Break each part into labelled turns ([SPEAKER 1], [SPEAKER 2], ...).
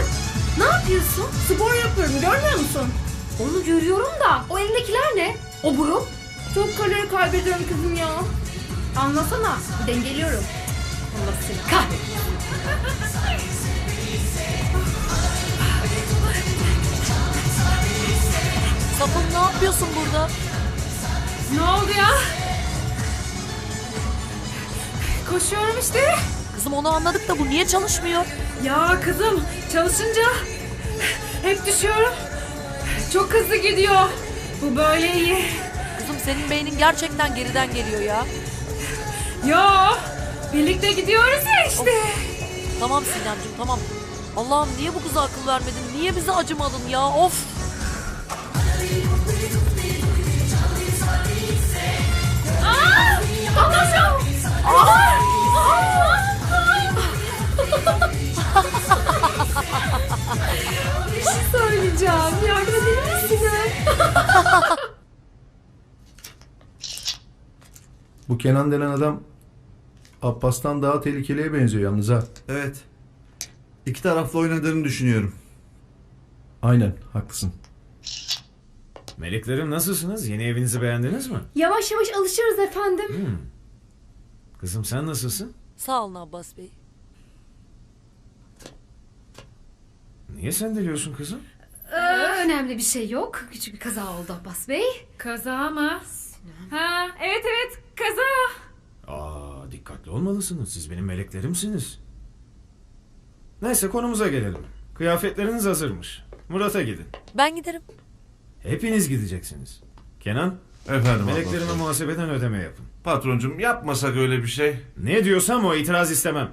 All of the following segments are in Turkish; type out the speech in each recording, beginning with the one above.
[SPEAKER 1] Ne yapıyorsun?
[SPEAKER 2] Spor yapıyorum, görmüyor musun?
[SPEAKER 1] Onu görüyorum da o elindekiler ne? O burun?
[SPEAKER 2] Çok kalori kaybediyorum kızım ya. Anlasana, dengeliyorum.
[SPEAKER 1] Allah seni kahretsin.
[SPEAKER 3] Sapın ne yapıyorsun burada?
[SPEAKER 2] Ne oldu ya? Koşuyorum işte.
[SPEAKER 3] Kızım onu anladık da bu niye çalışmıyor?
[SPEAKER 2] Ya kızım, çalışınca hep düşüyorum. Çok hızlı gidiyor. Bu böyle iyi.
[SPEAKER 3] Kızım senin beynin gerçekten geriden geliyor ya.
[SPEAKER 2] Yo, birlikte gidiyoruz ya işte.
[SPEAKER 3] Tamam Sinemciğim tamam. Allah'ım niye bu kıza akıl vermedin? Niye bize acımadın ya? Of!
[SPEAKER 1] Bir şey söyleyeceğim. Yardım edebilir misiniz?
[SPEAKER 4] Bu Kenan denen adam Abbas'tan daha tehlikeliye benziyor yalnız ha.
[SPEAKER 5] Evet. İki taraflı oynadığını düşünüyorum.
[SPEAKER 4] Aynen, haklısın.
[SPEAKER 6] Meleklerim nasılsınız? Yeni evinizi beğendiniz mi?
[SPEAKER 1] Yavaş yavaş alışırız efendim.
[SPEAKER 6] Kızım sen nasılsın?
[SPEAKER 3] Sağ olun Abbas Bey.
[SPEAKER 6] Niye sendeliyorsun kızım?
[SPEAKER 1] Önemli bir şey yok. Küçük bir kaza oldu Abbas Bey.
[SPEAKER 2] Kaza mı? Ha, evet kaza.
[SPEAKER 6] Dikkatli olmalısınız. Siz benim meleklerimsiniz. Neyse konumuza gelelim. Kıyafetleriniz hazırmış. Murat'a gidin.
[SPEAKER 3] Ben giderim.
[SPEAKER 6] Hepiniz gideceksiniz. Kenan,
[SPEAKER 5] Efendim
[SPEAKER 6] meleklerime
[SPEAKER 5] Abbas.
[SPEAKER 6] muhasebeden ödeme yapın.
[SPEAKER 5] Patroncum yapmasak öyle bir şey.
[SPEAKER 6] Ne diyorsam o, itiraz istemem.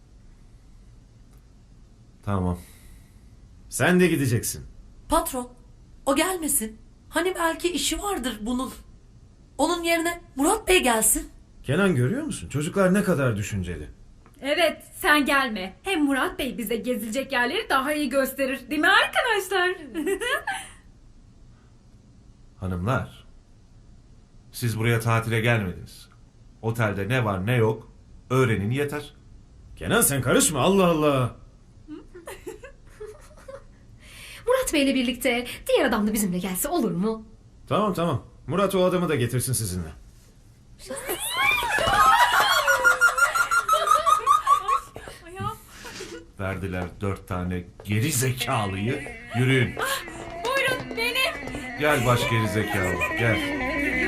[SPEAKER 5] Tamam.
[SPEAKER 6] Sen de gideceksin.
[SPEAKER 3] Patron, o gelmesin. Hani belki işi vardır bunun. Onun yerine Murat Bey gelsin.
[SPEAKER 6] Kenan görüyor musun? Çocuklar ne kadar düşünceli.
[SPEAKER 2] Evet, sen gelme. Hem Murat Bey bize gezilecek yerleri daha iyi gösterir. Değil mi arkadaşlar?
[SPEAKER 5] Hanımlar. Siz buraya tatile gelmediniz. Otelde ne var ne yok öğrenin yeter.
[SPEAKER 6] Kenan sen karışma, Allah Allah.
[SPEAKER 1] Murat Bey'le birlikte diğer adam da bizimle gelse olur mu?
[SPEAKER 6] Tamam. Murat o adamı da getirsin sizinle.
[SPEAKER 5] Verdiler 4 tane geri zekalıyı. Yürüyün.
[SPEAKER 2] Buyurun benim.
[SPEAKER 5] Gel baş geri zekalı gel.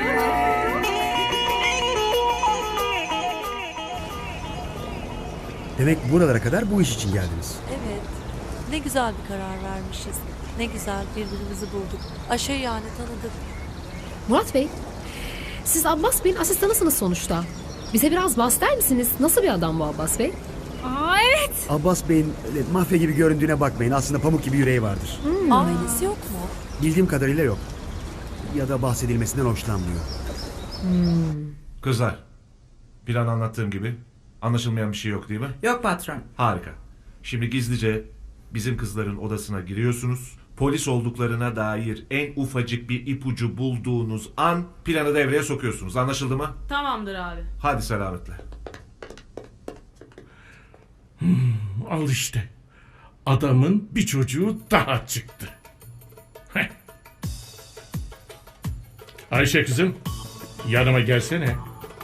[SPEAKER 7] Demek buralara kadar bu iş için geldiniz.
[SPEAKER 3] Evet. Ne güzel bir karar vermişiz. Ne güzel birbirimizi bulduk. Ayşe yani tanıdık.
[SPEAKER 1] Murat Bey, siz Abbas Bey'in asistanısınız sonuçta. Bize biraz bahseder misiniz? Nasıl bir adam bu Abbas Bey?
[SPEAKER 2] Aa evet.
[SPEAKER 7] Abbas Bey'in öyle mafya gibi göründüğüne bakmayın. Aslında pamuk gibi yüreği vardır.
[SPEAKER 3] Ailesi yok mu?
[SPEAKER 7] Bildiğim kadarıyla yok. Ya da bahsedilmesinden hoşlanmıyor.
[SPEAKER 5] Kızlar. Plan anlattığım gibi anlaşılmayan bir şey yok değil mi?
[SPEAKER 8] Yok patron.
[SPEAKER 5] Harika. Şimdi gizlice bizim kızların odasına giriyorsunuz. Polis olduklarına dair en ufacık bir ipucu bulduğunuz an planı devreye sokuyorsunuz. Anlaşıldı mı?
[SPEAKER 2] Tamamdır abi.
[SPEAKER 5] Hadi selametle.
[SPEAKER 9] Al işte. Adamın bir çocuğu daha çıktı. Heh. Ayşe kızım, yanıma gelsene.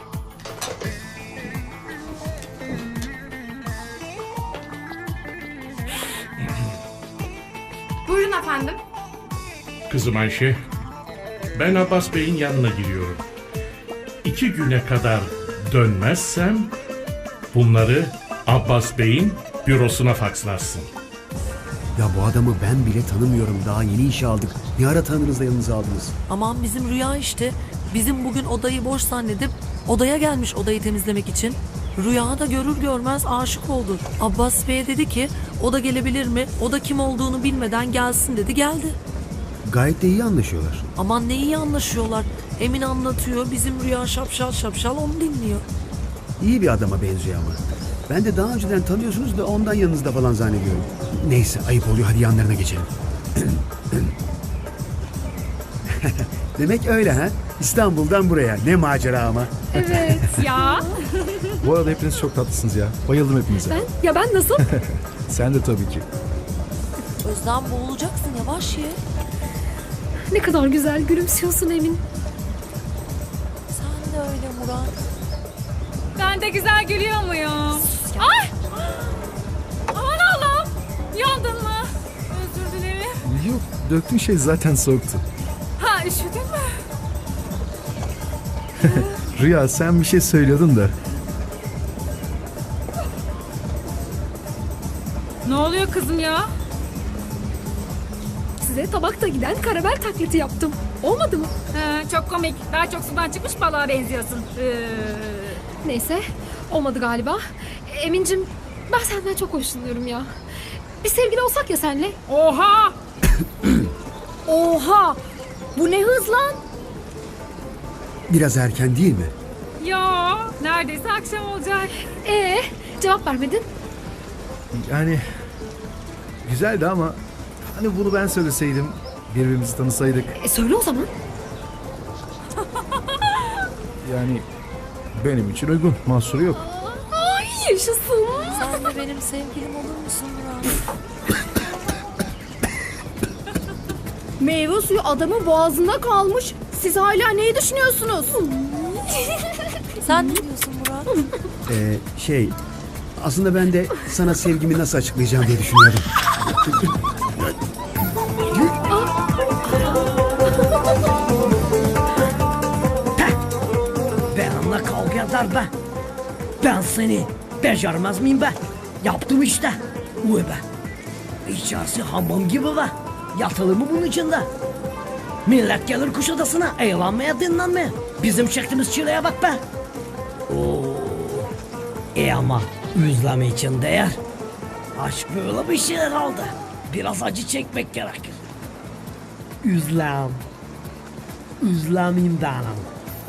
[SPEAKER 2] Buyurun efendim.
[SPEAKER 9] Kızım Ayşe, ben Abbas Bey'in yanına gidiyorum. 2 güne kadar dönmezsem bunları Abbas Bey'in bürosuna fakslarsın.
[SPEAKER 7] Ya bu adamı ben bile tanımıyorum. Daha yeni işe aldık. Ne ara tanırız da yanınıza aldınız?
[SPEAKER 3] Aman bizim Rüya işte. Bizim bugün odayı boş zannedip odaya gelmiş odayı temizlemek için. Rüya da görür görmez aşık oldu. Abbas Bey'e dedi ki o da gelebilir mi? O da kim olduğunu bilmeden gelsin dedi, geldi.
[SPEAKER 7] Gayet de iyi anlaşıyorlar.
[SPEAKER 3] Aman ne iyi anlaşıyorlar. Emin anlatıyor, bizim Rüya şapşal şapşal onu dinliyor.
[SPEAKER 7] İyi bir adama benziyor ama. Ben de daha önceden tanıyorsunuz da ondan yanınızda falan zannediyorum. Neyse ayıp oluyor, hadi yanlarına geçelim. Demek öyle ha? İstanbul'dan buraya. Ne macera ama.
[SPEAKER 1] Evet.
[SPEAKER 2] Ya.
[SPEAKER 4] Bu arada hepiniz çok tatlısınız ya. Bayıldım hepinize.
[SPEAKER 1] Ben nasıl?
[SPEAKER 4] Sen de tabii ki.
[SPEAKER 3] Özlem boğulacaksın, yavaş ye.
[SPEAKER 1] Ne kadar güzel gülümsüyorsun Emin.
[SPEAKER 3] Sen de öyle Murat.
[SPEAKER 2] Ben de güzel gülüyor muyum? Ay! Aman Allah'ım! Yandın mı? Özür dilerim.
[SPEAKER 4] Yok, döktüğün şey zaten soğuktu.
[SPEAKER 2] Ha, üşüdün mü?
[SPEAKER 4] Rüya, sen bir şey söylüyordun da.
[SPEAKER 2] Ne oluyor kızım ya?
[SPEAKER 1] Size tabakta giden karamel taklidi yaptım. Olmadı mı?
[SPEAKER 2] Çok komik. Daha çok sudan çıkmış balığa benziyorsun.
[SPEAKER 1] Neyse, olmadı galiba. Emin'cim, ben senden çok hoşlanıyorum ya. Bir sevgili olsak ya senle.
[SPEAKER 2] Oha!
[SPEAKER 1] Oha! Bu ne hız lan?
[SPEAKER 7] Biraz erken değil mi?
[SPEAKER 2] Ya neredeyse akşam olacak.
[SPEAKER 1] Cevap vermedin.
[SPEAKER 4] Yani güzeldi ama hani bunu ben söyleseydim, birbirimizi tanısaydık.
[SPEAKER 1] Söyle o zaman.
[SPEAKER 4] Yani benim için uygun, mahsuru yok.
[SPEAKER 1] Ay yaşasın.
[SPEAKER 3] Sen de benim sevgilim olur musun Murat?
[SPEAKER 8] Meyve suyu adamın boğazında kalmış. Siz hala neyi düşünüyorsunuz?
[SPEAKER 3] Sen ne diyorsun Murat?
[SPEAKER 7] Aslında ben de sana sevgimi nasıl açıklayacağım diye düşünüyordum.
[SPEAKER 10] Benimle kavga eder be. Ben seni becermez miyim be? Yaptım işte. Uy be. İçerisi hamam gibi be. Yatılı mı bunun içinde? Millet gelir Kuşadası'na eğlenmeye, dinlenmeye. Bizim çektiğimiz çileye bak be. Oo. Ama üzleme için değer. Aşk böyle bir şey herhalde. Biraz acı çekmek gerekir. Üzlem. Üzlemeyim benim.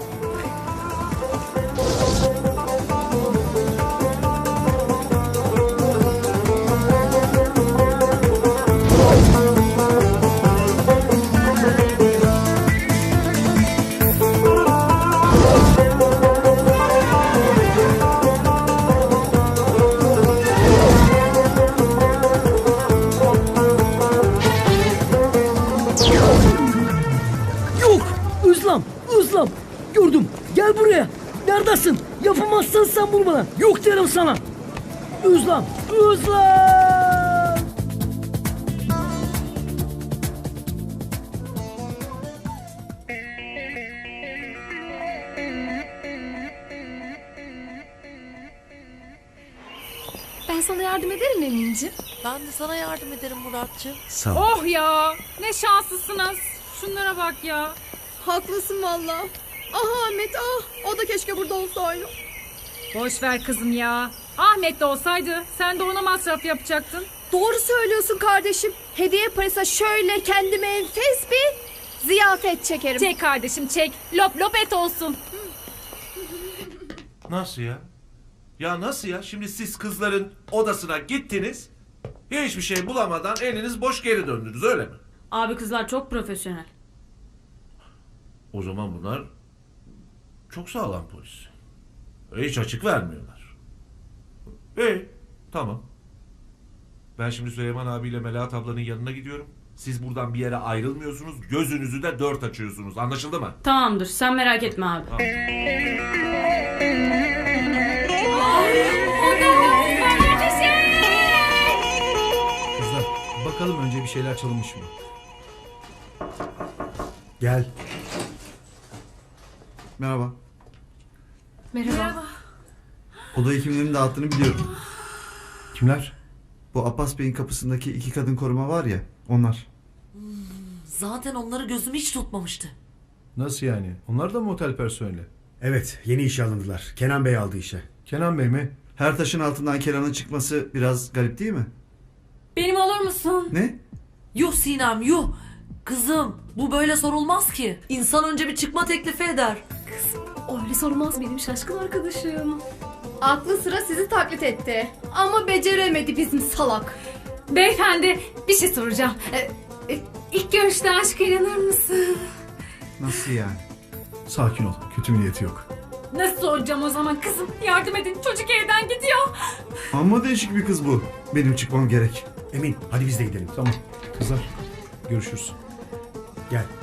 [SPEAKER 10] Yok! Özlem! Gördüm! Gel buraya! Neredesin? Yapamazsan sen bunu bana! Yok derim sana! Özlem!
[SPEAKER 1] Ben sana yardım ederim Emin'ciğim.
[SPEAKER 3] Ben de sana yardım ederim Muratcığım.
[SPEAKER 7] Sağ ol.
[SPEAKER 2] Oh ya! Ne şanslısınız. Şunlara bak ya.
[SPEAKER 8] Haklısın valla. Ah Ahmet ah. O da keşke burada olsaydı.
[SPEAKER 2] Boş ver kızım ya. Ahmet de olsaydı sen de ona masraf yapacaktın.
[SPEAKER 8] Doğru söylüyorsun kardeşim. Hediye parası şöyle kendime enfes bir ziyafet çekerim.
[SPEAKER 2] Çek kardeşim çek. Lop lop et olsun.
[SPEAKER 5] Nasıl ya? Ya nasıl ya? Şimdi siz kızların odasına gittiniz. Hiçbir şey bulamadan eliniz boş geri döndünüz, öyle mi?
[SPEAKER 2] Abi kızlar çok profesyonel.
[SPEAKER 5] O zaman bunlar çok sağlam polis. Hiç açık vermiyorlar. Tamam. Ben şimdi Süleyman abiyle Melahat ablanın yanına gidiyorum. Siz buradan bir yere ayrılmıyorsunuz. Gözünüzü de dört açıyorsunuz. Anlaşıldı mı?
[SPEAKER 2] Tamamdır sen merak etme abi.
[SPEAKER 5] Tamam.
[SPEAKER 4] Kızlar, bakalım önce bir şeyler çalınmış mı?
[SPEAKER 7] Gel.
[SPEAKER 11] Merhaba.
[SPEAKER 1] Merhaba.
[SPEAKER 11] Odayı kimlerin dağıttığını biliyorum.
[SPEAKER 4] Kimler?
[SPEAKER 11] Bu Abbas Bey'in kapısındaki iki kadın koruma var ya, onlar.
[SPEAKER 3] Zaten onları gözüm hiç tutmamıştı.
[SPEAKER 4] Nasıl yani? Onlar da mı otel personeli?
[SPEAKER 7] Evet, yeni işe alındılar. Kenan Bey aldı işe.
[SPEAKER 4] Kenan Bey mi?
[SPEAKER 11] Her taşın altından Kenan'ın çıkması biraz garip değil mi?
[SPEAKER 2] Benim olur musun?
[SPEAKER 11] Ne?
[SPEAKER 3] Yuh Sinem yuh. Kızım bu böyle sorulmaz ki. İnsan önce bir çıkma teklifi eder.
[SPEAKER 1] Öyle sormaz benim şaşkın arkadaşım.
[SPEAKER 8] Aklı sıra sizi taklit etti. Ama beceremedi bizim salak.
[SPEAKER 2] Beyefendi bir şey soracağım. İlk görüşte aşka inanır mısın?
[SPEAKER 11] Nasıl yani?
[SPEAKER 4] Sakin ol. Kötü bir niyeti yok.
[SPEAKER 2] Nasıl soracağım o zaman kızım? Yardım edin çocuk evden gidiyor.
[SPEAKER 11] Amma değişik bir kız bu. Benim çıkmam gerek.
[SPEAKER 7] Emin hadi biz de gidelim.
[SPEAKER 4] Tamam. Kızlar görüşürüz.
[SPEAKER 7] Gel.